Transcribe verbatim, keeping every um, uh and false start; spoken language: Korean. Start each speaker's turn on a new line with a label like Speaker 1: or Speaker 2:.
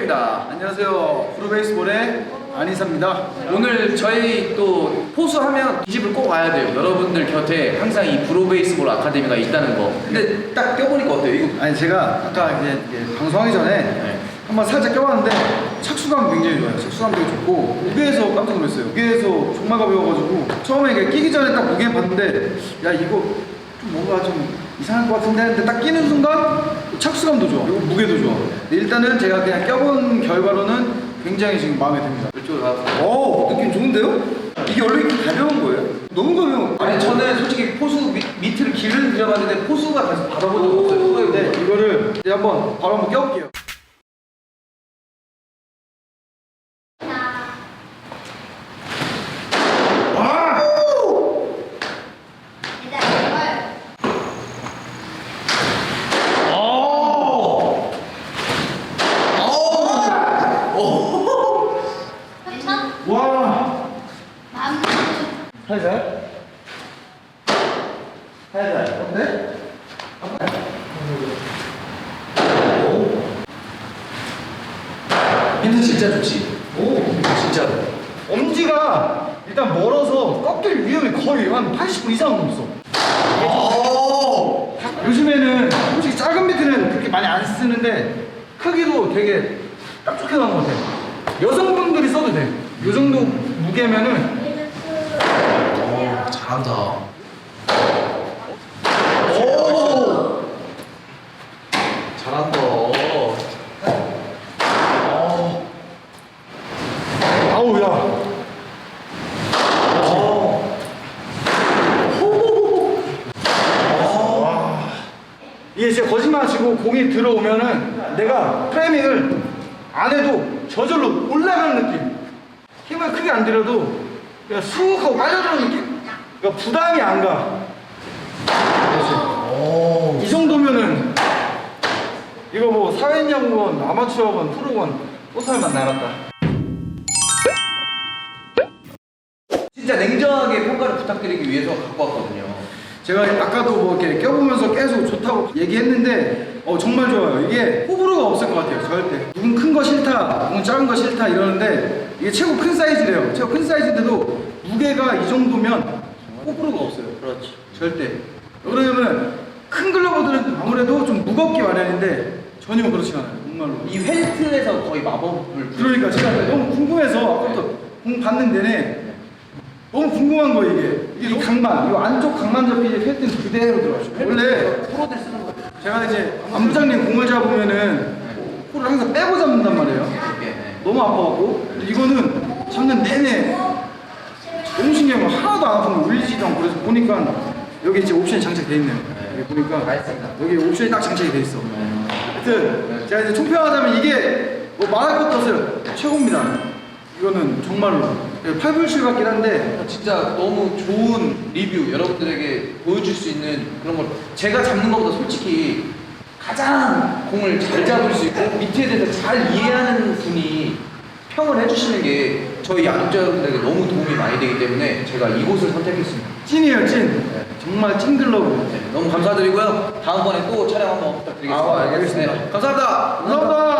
Speaker 1: 태경입니다.
Speaker 2: 안녕하세요. 프로베이스볼의 안희사입니다.
Speaker 1: 오늘 저희 또 포수하면 이 집을 꼭 와야 돼요. 여러분들 곁에 항상 이 프로베이스볼 아카데미가 있다는 거. 근데 딱 껴보니까 어때요? 이거
Speaker 2: 아니 제가 아까 이제, 이제 방송하기 전에
Speaker 1: 네.
Speaker 2: 한번 살짝 껴봤는데 착수감 굉장히 좋아요. 착수감 되게 좋고 무게에서 깜짝 놀랐어요. 무게에서 정말 가벼워가지고 처음에 이게 끼기 전에 딱 무게 봤는데 야 이거 좀 뭔가 좀 이상할 것 같은데 했는데 딱 끼는 순간 착수감도 좋아. 그리고 무게도 좋아. 근데 일단은 제가 그냥 껴본 결과로는 굉장히 지금 마음에 듭니다.
Speaker 1: 이쪽으로 가서.
Speaker 2: 오 느낌 좋은데요? 이게 원래 이렇게 가벼운 거예요? 너무 가벼워.
Speaker 1: 아니 저는 솔직히 포수 밑, 밑을 길을 들여봤는데 포수가 다시 받아본 적 없어요.
Speaker 2: 네, 이거를 이제 한번 바로 한번 껴볼게요. 와! 살살? 살살. 어때?
Speaker 1: 힌트 진짜 좋지. 오, 진짜.
Speaker 2: 엄지가 일단 멀어서 꺾일 위험이 거의 한 팔십 분 이상은 없어.
Speaker 1: 오!
Speaker 2: 요즘에는 솔직히 작은 비트는 그렇게 많이 안 쓰는데 크기도 되게 딱 좋게 나온 것 같아. 여성분들이 써도 돼. 요 정도 무게면은
Speaker 1: 오, 잘한다.
Speaker 2: 오!
Speaker 1: 잘한다.
Speaker 2: 아우 야. 와. 이게 진짜 거짓말 치고 공이 들어오면은 내가 프레밍을 안 해도 저절로 올라가는 느낌. 힘을 크게 안 들여도 그냥 쑥 하고 빨려들어오는 느낌? 그러니까 부담이 안 가. 그렇지. 이 정도면은 이거 뭐 사회인야구건 아마추어건 프로건 꽃살만 나갔다.
Speaker 1: 진짜 냉정하게 평가를 부탁드리기 위해서 갖고 왔거든요.
Speaker 2: 제가 아까도 뭐 이렇게 껴보면서 계속 좋다고 얘기했는데 어 정말 좋아요. 이게 호불호가 없을 것 같아요. 절대. 누군 큰 거 싫다, 누군 작은 거 싫다 이러는데 이게 최고 큰 사이즈래요. 최고 큰 사이즈인데도 무게가 이 정도면 호불호가 없어요.
Speaker 1: 그렇지.
Speaker 2: 절대. 그러면 큰 글러브들은 아무래도 좀 무겁기 마련인데 전혀 그렇지 않아요. 정말로.
Speaker 1: 이 벨트에서 거의 마법을.
Speaker 2: 그러니까 제가 너무 궁금해서 아까부터 공 받는 내내 너무 궁금한 거 이게 이게 이 각만 이 안쪽 각만 잡히지 펠트는 그대로 들어가죠. 원래
Speaker 1: 프로들 쓰는 거.
Speaker 2: 제가 이제 안부장님 공을 잡으면은 볼을 항상 빼고 잡는단 말이에요.
Speaker 1: 이렇게.
Speaker 2: 너무 아파갖고 근데 이거는 잡는 내내 너무 신기한 거 하나도 안 아픈 거 울리지도 않고 그래서 보니까 여기 이제 옵션이 장착돼 있네요. 여기 보니까
Speaker 1: 알겠습니다.
Speaker 2: 여기 옵션이 딱 장착이 돼 있어. 하여튼 제가 이제 총평하자면 이게 뭐 말할 것도 없어요. 최고입니다. 이거는 정말로 팔 불칠 같긴 한데
Speaker 1: 진짜 너무 좋은 리뷰 여러분들에게 보여줄 수 있는 그런 걸 제가 잡는 것보다 솔직히 가장 공을 잘 잡을 수 있고 밑에 대해서 잘 이해하는 분이 평을 해주시는 게 저희 야구자 여러분들에게 너무 도움이 많이 되기 때문에 제가 이곳을 선택했습니다.
Speaker 2: 찐이에요 찐.
Speaker 1: 네.
Speaker 2: 정말 찐 글러브.
Speaker 1: 네, 너무 감사드리고요. 다음번에 또 촬영 한번 부탁드리겠습니다.
Speaker 2: 아, 알겠습니다.
Speaker 1: 네, 감사합니다.
Speaker 2: 감사합니다.